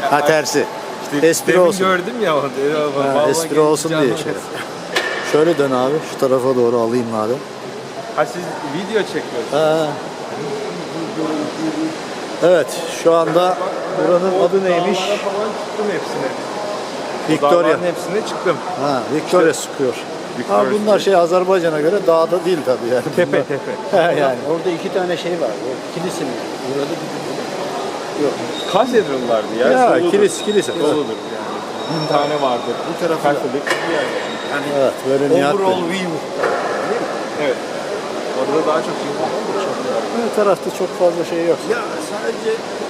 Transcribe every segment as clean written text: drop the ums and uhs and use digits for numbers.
Ha tersi. İşte Espri demin olsun. gördüm ya onu. Ha, espri olsun diye şey. Şöyle dön abi. Şu tarafa doğru alayım madem. Ha siz video çekiyorsunuz. Ha. Evet. Şu anda buranın adı neymiş? Dağlara falan çıktım hepsine. Victoria. Dağların hepsine çıktım. Ha, Victoria sıkıyor. Ha, Victoria bunlar şey Azerbaycan'a göre dağda değil tabii yani. Tepe Bunlar- tepe. Ha, yani. Orada iki tane şey var. O kilise mi? Burada bir yok. Katedrallardı ya. Ya doludur. kilise. Doludur yani. Bir tane vardır. Bu tarafı da. Katolik bir yer yani. Yani Evet, böyle Nihat overall Bey. view. Evet. Orada daha çok insan var. Her tarafta çok fazla şey yok. Ya sadece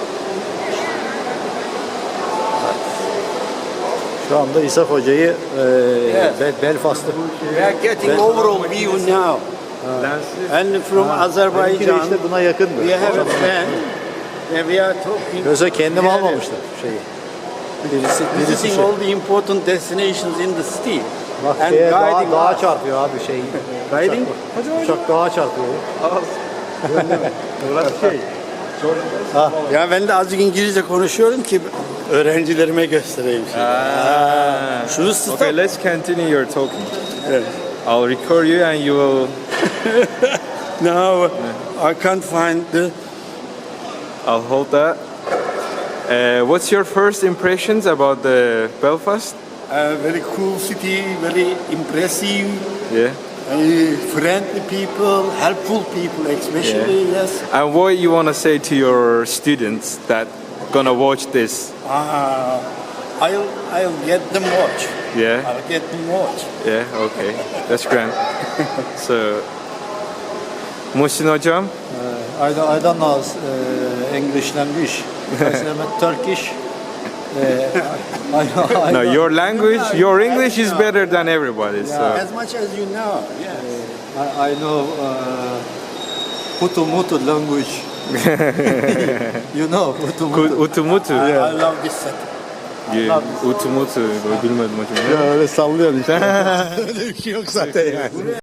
Şu anda İshak Hoca'yı Belfast'ta. we are getting overall view now. Lensiz. And from Benimki de Azerbaijan, işte buna yakındı. we have a friend and we are talking. Yoksa kendim together, almamıştım şeyi. Birisi Visiting şey. all the important destinations in the city. Bak and şeye guiding dağa us. çarpıyor abi şey. Guiding? Uçak dağa çarpıyor. Burası şey. Ya ben de azıcık İngilizce konuşuyorum ki öğrencilerime göstereyim. Şunu Okay, let's continue your talking. Evet. I'll record you and you will. No, I can't find the. I'll hold that. What's your first impressions about the Belfast? Very cool city, very impressive, Yeah. friendly people, helpful people, especially. Yes. And what you want to say to your students that gonna watch this? I'll get them watch. Yeah. I'll get them watch. Yeah. Okay. That's grand. So, Muhsin hocam. I don't know English language. Turkish. I No, know. your language, your English is better than everybody's. So. As much as you know. Yes. I know Hutu language. You know Hutu. Utumutu. I love this city. Utumutu. Bilmedim hocam. Ya öyle sallıyorsun işte. Öyle bir şey yok zaten yani.